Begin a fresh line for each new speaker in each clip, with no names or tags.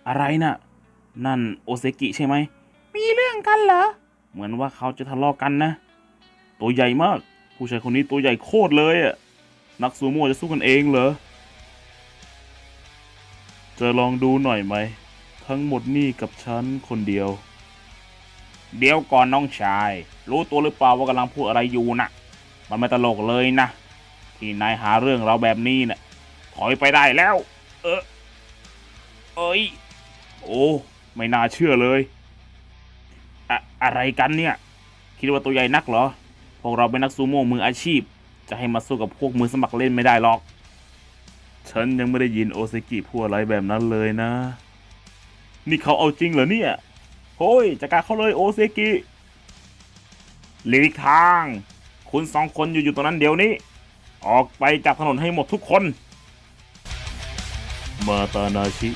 อะไรน่ะนั่นโอเซกิใช่ไหมมีเรื่องกันเหรอเหมือนว่าเขาจะทะเลาะกันนะตัวใหญ่มากผู้ชายคนนี้ตัวใหญ่โคตรเลยอ่ะนักซูโม่จะสู้กันเองเหรอจะลองดูหน่อยไหมทั้งหมดนี่กับฉันคนเดียวเดี๋ยวก่อนน้องชายรู้ตัวหรือเปล่าว่ากำลังพูดอะไรอยู่น่ะมันไม่ตลกเลยนะที่นายหาเรื่องเราแบบนี้น่ะถอยไปได้แล้วเอ้ยโอ้ไม่น่าเชื่อเลยอะไรกันเนี่ยคิดว่าตัวใหญ่นักเหรอพวกเราเป็นนักซูโม่มืออาชีพจะให้มาสู้กับพวกมือสมัครเล่นไม่ได้หรอกฉันยังไม่ได้ยินโอเซกิพูดอะไรแบบนั้นเลยนะนี่เขาเอาจริงเหรอเนี่ยโฮ้ยจัดการเขาเลยโอเซกิหลีกทางคุณสองคนอยู่ตรงนั้นเดี๋ยวนี้ออกไปจากถนนให้หมดทุกคนมาตานาชิ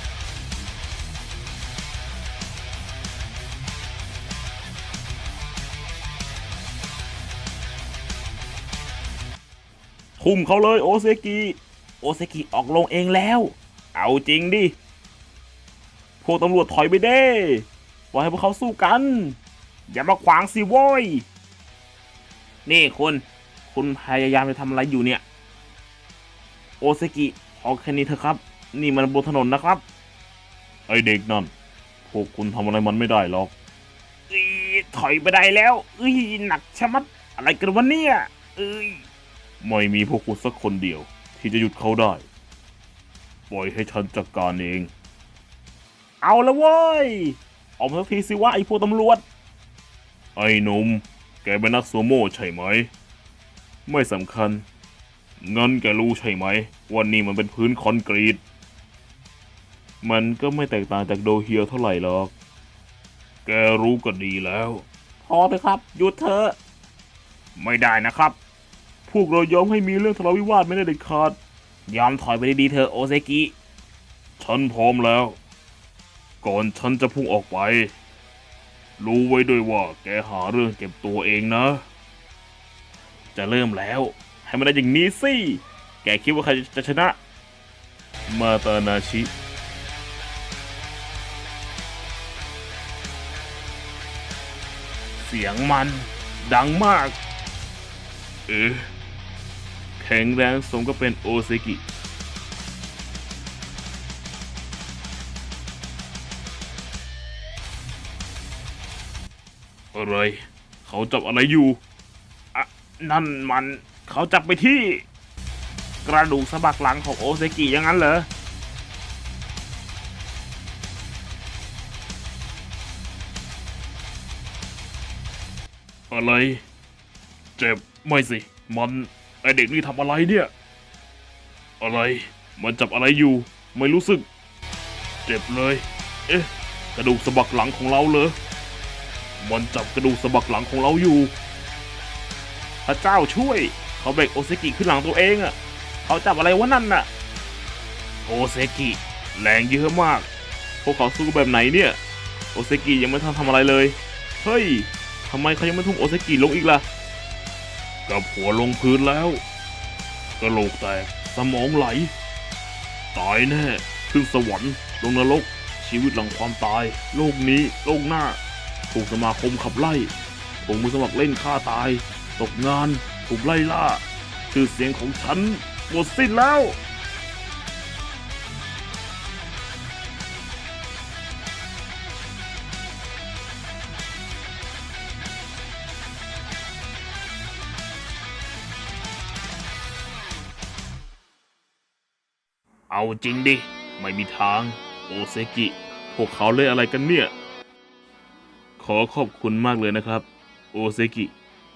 ทุ่มเขาเลยโอเซกิออกลงเองแล้วเอาจริงดิพวกตำรวจถอยไปเด้ปล่อยให้พวกเขาสู้กันอย่ามาขวางสิโว้ยนี่คุณพยายามจะทำอะไรอยู่เนี่ยโอเซกิพอแค่นี้เถอะครับนี่มันบนถนนนะครับไอเด็กนั่นพวกคุณทำอะไรมันไม่ได้หรอกถอยไปได้แล้วหนักชะมัดอะไรกันวะเนี่ยไม่มีพวกคุณสักคนเดียวที่จะหยุดเขาได้ปล่อยให้ฉันจัดการเองเอาละเว้ยออกมาสักทีสิว่าไอ้พวกตำรวจไอ้หนุ่มแกเป็นนักซูโม่ใช่ไหมไม่สำคัญงั้นแกรู้ใช่ไหมว่านี่มันเป็นพื้นคอนกรีตมันก็ไม่แตกต่างจากโดเฮียเท่าไหร่หรอกแกรู้ก็ดีแล้วพอเถอะครับหยุดเถอะไม่ได้นะครับพวกเรายอมให้มีเรื่องทะเลาะวิวาทไม่ได้เด็ดขาดยอมถอยไปดีๆเถอะโอเซกิฉันพร้อมแล้วก่อนฉันจะพุ่งออกไปรู้ไว้ด้วยว่าแกหาเรื่องเก็บตัวเองนะจะเริ่มแล้วให้มันได้อย่างนี้สิแกคิดว่าใครจะชนะมาตานาชิเสียงมันดังมากแข็งแรงสมก็เป็นโอเซกิอะไรเขาจับอะไรอยู่นั่นมันเขาจับไปที่กระดูกสะบักหลังของโอเซกิอย่างนั้นเหรออะไรเจ็บไม่สิมันไอเด็กนี่ทำอะไรเนี่ยอะไรมันจับอะไรอยู่ไม่รู้สึกเจ็บเลยกระดูกสะบักหลังของเราเหรอมันจับกระดูกสะบักหลังของเราอยู่พระเจ้าช่วยเขาเบรกโอเซกิขึ้นหลังตัวเองอ่ะเขาจับอะไรวะนั่นน่ะโอเซกิแรงเยอะมากพวกเขาสู้แบบไหนเนี่ยโอเซกิยังไม่ทันทำอะไรเลยเฮ้ยทำไมเขายังไม่ทุ่มโอเซกิลงอีกล่ะกับหัวลงพื้นแล้วกระโหลกแตกสมองไหลตายแน่ขึ้นสวรรค์ลงนรกชีวิตหลังความตายโลกนี้โลกหน้าถูกสมาคมขับไล่ถูกมือสมัครเล่นฆ่าตายตกงานถูกไล่ล่าชื่อเสียงของฉันหมดสิ้นแล้วเอาจริงดิไม่มีทางโอเซกิพวกเขาเล่นอะไรกันเนี่ยขอขอบคุณมากเลยนะครับโอเซกิ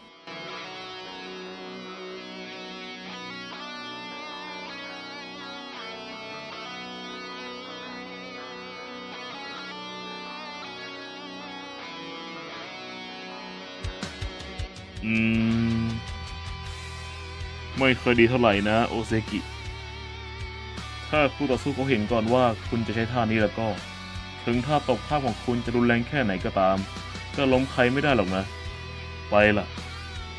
ไม่ค่อยดีเท่าไหร่นะโอเซกิถ้าคู่ต่อสู้เขาเห็นก่อนว่าคุณจะใช้ท่านี้แล้วก็ถึงท่าตบข้างของคุณจะรุนแรงแค่ไหนก็ตามก็ล้มใครไม่ได้หรอกนะไปล่ะ